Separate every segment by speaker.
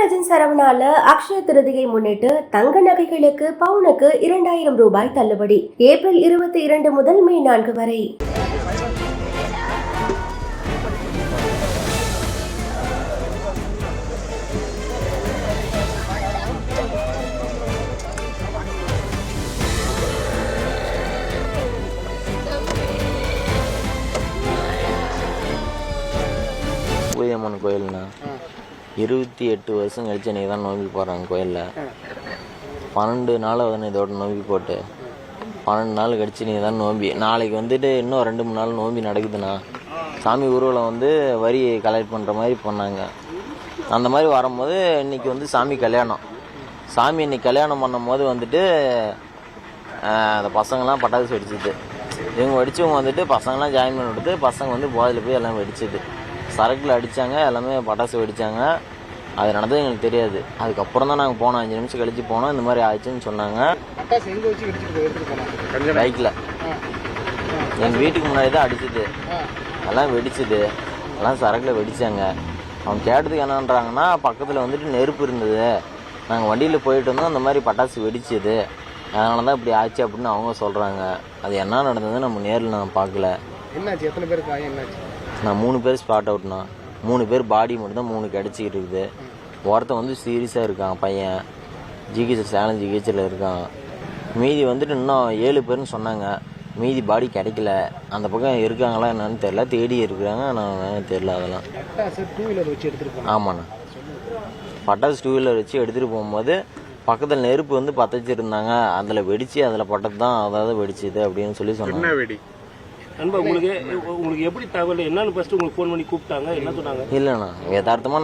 Speaker 1: காமராஜன் சரவணால அக்ஷய திருதியை முன்னிட்டு தங்க நகைகளுக்கு பவுனுக்கு 2000 ரூபாய் தள்ளுபடி. ஏப்ரல் 22 முதல் மே 4 வரை.
Speaker 2: பூயம்மன் கோயில்னா 28 வருஷம் கழிச்சு இன்றைக்கி தான் நோம்பி போடுறாங்க கோயிலில். 12 நாள் வந்து இதோட நோம்பி போட்டு 12 நாள் கழிச்சு நீ தான் நோம்பி. நாளைக்கு வந்துட்டு இன்னும் 2-3 நாள் நோம்பி நடக்குதுண்ணா. சாமி ஊர்வலம் வந்து வரி கலெக்ட் பண்ணுற மாதிரி பண்ணாங்க. அந்த மாதிரி வரும்போது இன்றைக்கி வந்து சாமி கல்யாணம். சாமி இன்னைக்கு கல்யாணம் பண்ணும் போது வந்துட்டு அந்த பசங்கள்லாம் பட்டாசு வெடிச்சிது. இவங்க வெடிச்சவங்க வந்துட்டு பசங்களாம் ஜாயின் பண்ணி விடுத்து பசங்க வந்து போதையில் போய் எல்லாம் வெடிச்சிது. சரக்கில் அடித்தாங்க, எல்லாமே பட்டாசு வெடித்தாங்க. அது நடந்தது எங்களுக்கு தெரியாது. அதுக்கப்புறம் தான் நாங்கள் போனோம். 5 நிமிஷம் கழிச்சு போனோம். இந்த மாதிரி ஆயிடுச்சுன்னு சொன்னாங்க. பைக்கில் எங்கள் வீட்டுக்கு முன்னாடி தான் அடிச்சுது. எல்லாம் வெடிச்சுது. எல்லாம் சரக்கில் வெடித்தாங்க. அவங்க கேட்டதுக்கு என்னன்றாங்கன்னா, பக்கத்தில் வந்துட்டு நெருப்பு இருந்தது, நாங்கள் வண்டியில் போயிட்டு வந்தோம், அந்த மாதிரி பட்டாசு வெடிச்சுது, அதனால தான் இப்படி ஆச்சு அப்படின்னு அவங்க சொல்கிறாங்க. அது என்ன நடந்தது நம்ம நேரில் நான் பார்க்கல.
Speaker 3: என்னாச்சு? எத்தனை பேருக்கு காயம்? என்னாச்சு?
Speaker 2: நான் 3 பேர் ஸ்பாட் அவுட்னா. 3 பேர் பாடி மட்டும் தான் 3 கிடச்சிக்கிட்டு இருக்குது. ஒருத்தன் வந்து சீரியஸாக இருக்கான் பையன், ஜிஹெச் சேலம் ஜிஹெச்சில் இருக்கான். மீதி வந்துட்டு இன்னும் 7 பேர்னு சொன்னாங்க. மீதி பாடி கிடைக்கல. அந்த பக்கம் இருக்காங்களா என்னன்னு தெரியல, தேடி இருக்கிறாங்க. நான் தெரியல அதெல்லாம். ஆமாண்ணா, பட்டாசு 2 வீலர் வச்சு எடுத்துகிட்டு போகும்போது பக்கத்தில் நெருப்பு வந்து பற்ற வச்சுருந்தாங்க. அதில் வெடிச்சு அதில் பட்டது தான் அதாவது வெடிச்சுது அப்படின்னு சொல்லி சொன்னாங்க.
Speaker 4: நண்பா, உங்களுக்கு எப்படி தகவல் என்னன்னு ஃபர்ஸ்ட் உங்களுக்கு ஃபோன் பண்ணி கூப்பிட்டாங்க, என்ன சொன்னாங்க?
Speaker 2: இல்லைண்ணா, யதார்த்தமாக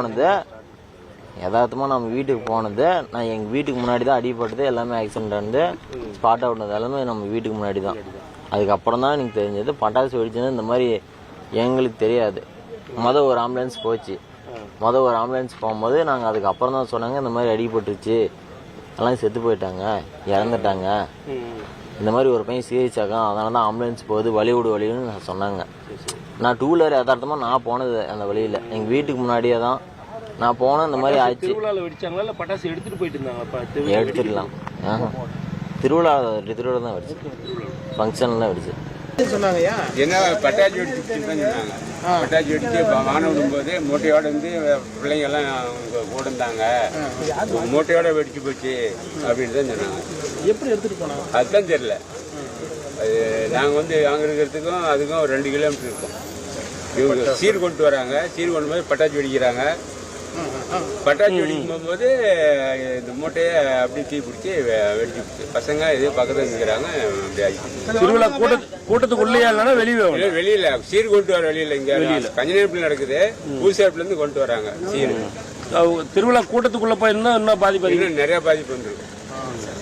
Speaker 2: நம்ம வீட்டுக்கு போனது. நான் எங்கள் வீட்டுக்கு முன்னாடி தான் அடிபட்டது, எல்லாமே ஆக்சிடென்ட் வந்து ஸ்பாட் அவுட்னது எல்லாமே நம்ம வீட்டுக்கு முன்னாடி தான். அதுக்கப்புறம் தான் எனக்கு தெரிஞ்சது பட்டாசு வெடிச்சது. இந்த மாதிரி எங்களுக்கு தெரியாது. ஒரு ஆம்புலன்ஸ் போச்சு. ஒரு ஆம்புலன்ஸ் போகும்போது நாங்கள் அதுக்கப்புறம் தான் சொன்னாங்க, இந்த மாதிரி அடிபட்டுருச்சு, எல்லாம் செத்து போயிட்டாங்க, இறந்துட்டாங்க, இந்த மாதிரி ஒரு பையன் சீரியஸ் ஆகும், அதனால தான் ஆம்புலன்ஸ் போகுது, வழிவிடுன்னு சொன்னாங்க. நான் 2 வீலர் யதார்த்தமாக நான் போனது அந்த வழியில் எங்கள் வீட்டுக்கு முன்னாடியே தான் நான் போனேன். இந்த மாதிரி ஆச்சு.
Speaker 4: திருவிழாவில் வெடிச்சாங்களா இல்லை பட்டாசு எடுத்துகிட்டு போயிட்டு இருந்தாங்க?
Speaker 2: எடுத்துடலாம். திருவிழா தான் வெடிச்சு, ஃபங்க்ஷன்லாம் வெடிச்சு
Speaker 3: சொன்னாங்கய்யா.
Speaker 5: என்ன பட்டாசு வெடிச்சுன்னு தான் சொன்னாங்க. பட்டாசு வெடிச்சு வானம் விடும்போது மூட்டையோட வந்து பிள்ளைங்க எல்லாம் கூட இருந்தாங்க, மூட்டையோட வெடிச்சு போச்சு அப்படின்னு தான் சொன்னாங்க.
Speaker 3: எப்படி எடுத்துட்டு போனாங்க
Speaker 5: அதுதான் தெரியல. அது நாங்கள் வந்து அங்கே இருக்கிறதுக்கும் அதுக்கும் 2 கிலோமீட்டர் இருக்கும். இவங்க சீர் கொண்டு வராங்க. சீர் கொண்டு போது பட்டாசு வெடிக்கிறாங்க. பட்டாசு வெடிக்கும் போகும்போது இந்த மூட்டையை அப்படி தீ பிடிச்சி வெடிச்சு பசங்க இதே பக்கத்தில் நிற்கிறாங்க. அப்படி ஆகிடுச்சு.
Speaker 4: திருவிழா கூட்டத்துக்குள்ளேயா இல்லைன்னா
Speaker 5: வெளியில சீர் கொண்டு வர வெளியில இங்க கஞ்சநேரத்தில் நடக்குது. பூசாப்பிலேருந்து கொண்டு வராங்க சீர்.
Speaker 4: திருவிழா கூட்டத்துக்குள்ள போயிருந்தா இன்னும் பாதிப்பு,
Speaker 5: இன்னும் நிறைய பாதிப்பு வந்துருக்கும்.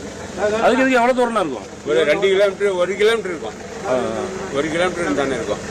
Speaker 4: அதுக்கு எவ்வளவு தூரம் இருக்கும்?
Speaker 5: ஒரு 2 கிலோமீட்டர் 1 கிலோமீட்டர் இருக்கும். 1 கிலோமீட்டர் தானே இருக்கும்.